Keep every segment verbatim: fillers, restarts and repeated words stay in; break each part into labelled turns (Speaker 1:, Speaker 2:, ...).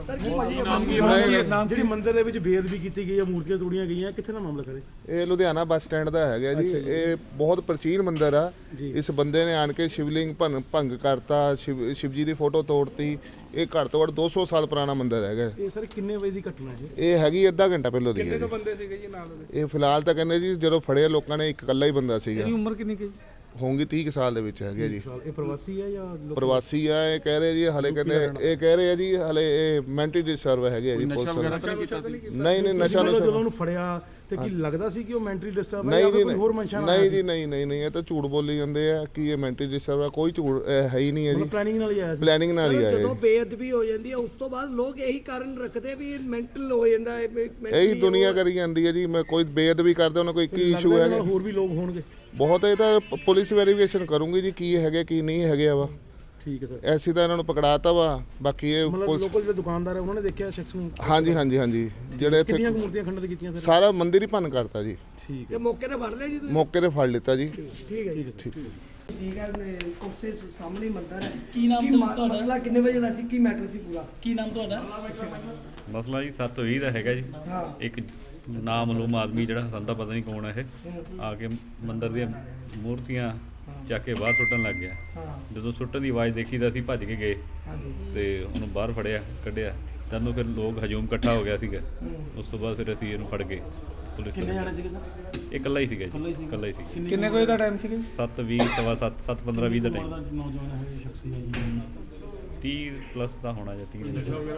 Speaker 1: ਜਿਹੜੀ ਮੰਦਿਰ ਦੇ ਵਿੱਚ ਬੇਅਦਬੀ ਕੀਤੀ ਗਈ ਹੈ, ਮੂਰਤੀਆਂ ਤੋੜੀਆਂ ਗਈਆਂ, ਕਿੱਥੇ ਦਾ ਮਾਮਲਾ ਸਰ?
Speaker 2: ਇਹ ਲੁਧਿਆਣਾ ਬੱਸ ਸਟੈਂਡ ਦਾ ਹੈਗਾ ਜੀ। ਇਹ ਬਹੁਤ ਪ੍ਰਾਚੀਨ ਮੰਦਿਰ ਆ। ਇਸ ਬੰਦੇ ਨੇ ਆਣ ਕੇ ਸ਼ਿਵਲਿੰਗ ਭੰਗ ਕਰਤਾ, ਸ਼ਿਵ ਸ਼ਿਵ ਜੀ ਦੀ ਫੋਟੋ ਤੋੜਤੀ। ਇਹ ਘੱਟ ਤੋਂ ਘੱਟ ਦੋ ਸੌ ਸਾਲ ਪੁਰਾਣਾ ਮੰਦਿਰ ਹੈਗਾ।
Speaker 1: ਇਹ ਸਰ ਕਿੰਨੇ ਵਜੇ ਦੀ ਘਟਨਾ ਹੈ?
Speaker 2: ਇਹ ਹੈਗੀ ਅੱਧਾ ਘੰਟਾ ਪਹਿਲਾਂ ਦੀ ਹੈ।
Speaker 3: ਕਿੰਨੇ ਬੰਦੇ ਸੀਗੇ ਜੀ ਨਾਲ ਉਹਦੇ?
Speaker 2: ਇਹ ਫਿਲਹਾਲ ਤਾਂ ਕਹਿੰਦੇ ਜੀ ਜਦੋਂ ਫੜਿਆ ਲੋਕਾਂ ਨੇ ਇੱਕ ਇਕੱਲਾ ਹੀ ਬੰਦਾ ਸੀਗਾ।
Speaker 3: ਇਹਦੀ ਉਮਰ ਕਿੰਨੀ ਕੀ
Speaker 2: ਹੋਊਗੀ ਤੀਹ ਸਾਲ ਦੇ ਵਿੱਚ ਹੈਗੇ ਜੀ।
Speaker 1: ਇਹ ਪ੍ਰਵਾਸੀ ਹੈ ਜਾਂ
Speaker 2: ਪ੍ਰਵਾਸੀ ਆ? ਇਹ ਕਹਿ ਰਹੇ ਜੀ ਹਲੇ ਕਹਿੰਦੇ ਇਹ ਕਹਿ ਰਹੇ ਆ ਜੀ ਹਲੇ ਇਹ ਮੈਂਟਲੀ ਡਿਸਟਰਬ ਹੈਗੇ ਆ ਜੀ। ਪੁਲਿਸ ਨਹੀਂ ਨਹੀਂ ਨਸ਼ਾ ਨਸ਼ਾ
Speaker 1: ਜਦੋਂ ਉਹਨੂੰ ਫੜਿਆ ਤੇ ਕੀ ਲੱਗਦਾ ਸੀ ਕਿ ਉਹ ਮੈਂਟਲੀ ਡਿਸਟਰਬ ਹੈ
Speaker 2: ਜਾਂ
Speaker 1: ਕੋਈ ਹੋਰ ਮਨਸ਼ਾ ਨਾਲ?
Speaker 2: ਨਹੀਂ ਜੀ ਨਹੀਂ ਨਹੀਂ ਨਹੀਂ ਇਹ ਤਾਂ ਝੂਠ ਬੋਲੀ ਜਾਂਦੇ ਆ ਕਿ ਇਹ ਮੈਂਟਲੀ ਡਿਸਟਰਬ ਆ। ਕੋਈ ਝੂਠ ਹੈ ਹੀ ਨਹੀਂ ਹੈ ਜੀ।
Speaker 1: ਪਲੈਨਿੰਗ ਨਾਲ ਹੀ ਆਇਆ ਸੀ।
Speaker 2: ਪਲੈਨਿੰਗ ਨਾਲ ਹੀ ਆਇਆ।
Speaker 4: ਜਦੋਂ ਬੇਅਦਬੀ ਹੋ ਜਾਂਦੀ ਹੈ ਉਸ ਤੋਂ ਬਾਅਦ ਲੋਕ ਇਹੀ ਕਾਰਨ ਰੱਖਦੇ ਵੀ ਮੈਂਟਲ ਹੋ ਜਾਂਦਾ ਹੈ।
Speaker 2: ਇਹੀ ਦੁਨੀਆ ਕਰੀ ਜਾਂਦੀ ਹੈ ਜੀ। ਮੈਂ ਕੋਈ ਬੇਅਦਬੀ ਕਰਦਾ ਉਹਨਾਂ ਕੋਈ ਇੱਕ ਹੀ ਇਸ਼ੂ ਹੈ।
Speaker 1: ਹੋਰ ਵੀ ਲੋਕ ਹੋਣਗੇ
Speaker 2: ਬਹੁਤ। ਇਹ ਤਾਂ ਪੁਲਿਸ ਵੈਰੀਫਿਕੇਸ਼ਨ ਕਰੂੰਗੀ ਜੀ ਕੀ ਹੈਗੇ ਕੀ ਨਹੀਂ ਹੈਗੇ ਆ ਵਾ।
Speaker 1: ਠੀਕ ਹੈ ਸਰ।
Speaker 2: ਐਸੀ ਤਾਂ ਇਹਨਾਂ ਨੂੰ ਪਕੜਾਤਾ ਵਾ। ਬਾਕੀ ਇਹ
Speaker 1: ਲੋਕਲ ਜਿਹੜੇ ਦੁਕਾਨਦਾਰ ਹੈ ਉਹਨਾਂ ਨੇ ਦੇਖਿਆ ਸ਼ਖਸ ਨੂੰ?
Speaker 2: ਹਾਂਜੀ ਹਾਂਜੀ ਹਾਂਜੀ। ਜਿਹੜੇ ਇੱਥੇ
Speaker 1: ਕਿੰਨੀਆਂ ਮੂਰਤੀਆਂ ਖੰਡਿਤ ਕੀਤੀਆਂ ਸਰ?
Speaker 2: ਸਾਰਾ ਮੰਦਿਰ ਹੀ ਭੰਨ ਕਰਤਾ ਜੀ।
Speaker 1: ਠੀਕ
Speaker 4: ਹੈ। ਮੌਕੇ ਤੇ ਫੜ ਲਿਆ ਜੀ ਤੁਸੀਂ?
Speaker 2: ਮੌਕੇ ਤੇ ਫੜ ਲਿੱਤਾ ਜੀ।
Speaker 4: ਠੀਕ ਹੈ ਜੀ। ਠੀਕ ਠੀਕ ਹੈ। ਕੋਸੇ ਸਾਹਮਣੇ ਮੰਦਿਰ ਹੈ।
Speaker 5: ਕੀ ਨਾਮ ਸੀ ਤੁਹਾਡਾ?
Speaker 4: ਮਸਲਾ ਕਿੰਨੇ ਵਜੇ ਦਾ ਸੀ? ਕੀ ਮੈਟਰ ਸੀ ਪੂਰਾ?
Speaker 5: ਕੀ ਨਾਮ ਤੁਹਾਡਾ?
Speaker 6: ਮਸਲਾ ਜੀ ਸੱਤ ਵੀਹ ਦਾ ਹੈਗਾ ਜੀ। ਇੱਕ ਨਾਮਲੂਮ ਆਦਮੀ ਜਿਹੜਾ ਸਾਨੂੰ ਤਾਂ ਪਤਾ ਨਹੀਂ ਕੌਣ ਹੈ ਇਹ ਆ ਕੇ ਮੰਦਿਰ ਦੀਆਂ ਮੂਰਤੀਆਂ ਚੱਕ ਕੇ ਬਾਹਰ ਸੁੱਟਣ ਲੱਗ ਗਿਆ। ਜਦੋਂ ਸੁੱਟਣ ਦੀ ਆਵਾਜ਼ ਦੇਖੀ ਤਾਂ ਅਸੀਂ ਭੱਜ ਕੇ ਗਏ ਤੇ ਉਹਨੂੰ ਬਾਹਰ ਫੜਿਆ ਕੱਢਿਆ। ਤੈਨੂੰ ਫਿਰ ਲੋਕ ਹਜੂਮ ਇਕੱਠਾ ਹੋ ਗਿਆ ਸੀਗਾ। ਉਸ ਤੋਂ ਬਾਅਦ ਫਿਰ ਅਸੀਂ ਇਹਨੂੰ ਫੜ ਗਏ। ਪੁਲਿਸ
Speaker 1: ਕਿੰਨੇ ਜਾਣੇ ਸੀਗੇ ਸਰ?
Speaker 6: ਇਹ ਇਕੱਲਾ ਹੀ ਸੀਗਾ ਜੀ। ਇਕੱਲਾ ਹੀ ਸੀ।
Speaker 3: ਕਿੰਨੇ ਵਜੇ ਦਾ ਟਾਈਮ ਸੀਗਾ?
Speaker 6: ਸੱਤ ਵੀਹ ਸਵਾ ਸੱਤ ਸੱਤ ਪੰਦਰਾਂ ਵੀਹ ਦਾ ਟਾਈਮ।
Speaker 1: ਨੌਜਵਾਨ ਹੈ ਸ਼ਖਸੀ ਹੈ ਜੀ।
Speaker 6: ਤੀਹ ਪਲੱਸ ਦਾ ਹੋਣਾ ਜਾਂ ਤੀਹ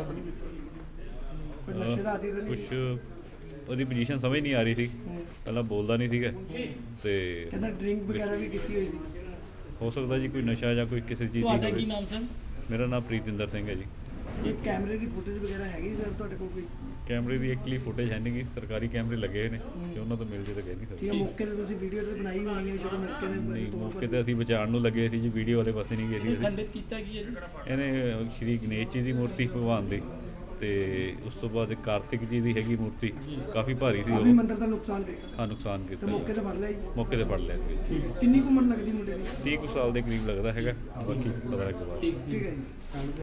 Speaker 6: ਕੁਛ। ਉਹਦੀ ਪੋਜੀਸ਼ਨ ਸਮਝ ਨਹੀਂ ਆ ਰਹੀ ਸੀ। ਪਹਿਲਾਂ ਬੋਲਦਾ ਨਹੀਂ ਸੀਗਾ ਤੇ
Speaker 4: ਕਹਿੰਦਾ ਡਰਿੰਕ ਵਗੈਰਾ ਵੀ ਕੀਤੀ ਹੋਈ ਸੀ।
Speaker 6: ਹੋ ਸਕਦਾ ਜੀ ਕੋਈ ਨਸ਼ਾ ਜਾਂ ਕੋਈ ਕਿਸੇ ਚੀਜ਼
Speaker 5: ਤੁਹਾਡਾ
Speaker 6: ਦੀ
Speaker 5: ਕੀ
Speaker 6: ਹੋਵੇ।
Speaker 5: ਨਾਮ ਸਰ?
Speaker 6: ਮੇਰਾ ਨਾਮ ਪ੍ਰੀਤਿੰਦਰ ਸਿੰਘ ਹੈ ਜੀ।
Speaker 4: ਇਹ ਕੈਮਰੇ ਦੀ ਫੁਟੇਜ ਵਗੈਰਾ ਹੈਗੀ ਸਰ ਤੁਹਾਡੇ ਕੋਲ ਕੋਈ?
Speaker 6: ਕੈਮਰੇ ਦੀ ਐਕਚੁਅਲੀ ਫੁਟੇਜ ਹੈ ਨਹੀਂ ਗੀ। ਸਰਕਾਰੀ ਕੈਮਰੇ ਲੱਗੇ ਹੋਏ ਨੇ ਕਿ ਉਹਨਾਂ ਤੋਂ ਮਿਲ ਜੇ ਤਾਂ ਕਹਿ ਨਹੀਂ
Speaker 4: ਠੀਕ
Speaker 6: ਸਕਦੇ।
Speaker 4: ਹੈ। ਮੌਕੇ ਤੇ ਤੁਸੀਂ ਵੀਡੀਓ ਤੇ ਬਣਾਈ ਹੋਣੀ ਹੈ ਜਦੋਂ ਮੌਕੇ
Speaker 6: ਨਹੀਂ
Speaker 4: ਤੇ
Speaker 6: ਮੌਕੇ ਤੇ ਅਸੀਂ ਬਚਾਉਣ ਨੂੰ ਲੱਗੇ ਸੀ ਜੀ। ਵੀਡੀਓ ਵਾਲੇ ਪਾਸੇ ਨਹੀਂ ਗਏ ਸੀ ਅਸੀਂ।
Speaker 5: ਖੰਡਿਤ ਕੀਤਾ ਕੀ ਹੈ ਜੀ?
Speaker 6: ਇਹਨੇ ਸ਼੍ਰੀ ਗਣੇਸ਼ ਜੀ ਦੀ ਮੂਰਤੀ ਭਗਵਾਨ ਦੀ ਤੇ ਉਸ ਤੋਂ ਬਾਅਦ ਇੱਕ ਕਾਰਤਿਕ ਜੀ ਦੀ ਹੈਗੀ ਮੂਰਤੀ ਕਾਫੀ ਭਾਰੀ ਸੀ। ਉਹ
Speaker 4: ਵੀ ਮੰਦਿਰ ਦਾ ਨੁਕਸਾਨ ਕੀਤਾ।
Speaker 6: ਹਾਂ ਨੁਕਸਾਨ
Speaker 4: ਤੇ
Speaker 6: ਕੀਤਾ
Speaker 4: ਮੌਕੇ ਤੇ ਫੜ ਲਿਆ ਜੀ?
Speaker 6: ਮੌਕੇ ਤੇ ਫੜ ਲਿਆ ਜੀ।
Speaker 4: ਕਿੰਨੀ ਕੁ ਉਮਰ ਲੱਗਦੀ ਮੁੰਡੇ ਦੀ?
Speaker 6: ਤੀਹ ਕੁ ਸਾਲ ਦੇ ਕਰੀਬ ਲੱਗਦਾ ਹੈਗਾ। ਬਾਕੀ ਪਤਾ ਲੱਗ ਬਾਅਦ।
Speaker 4: ਠੀਕ ਹੈ ਜੀ।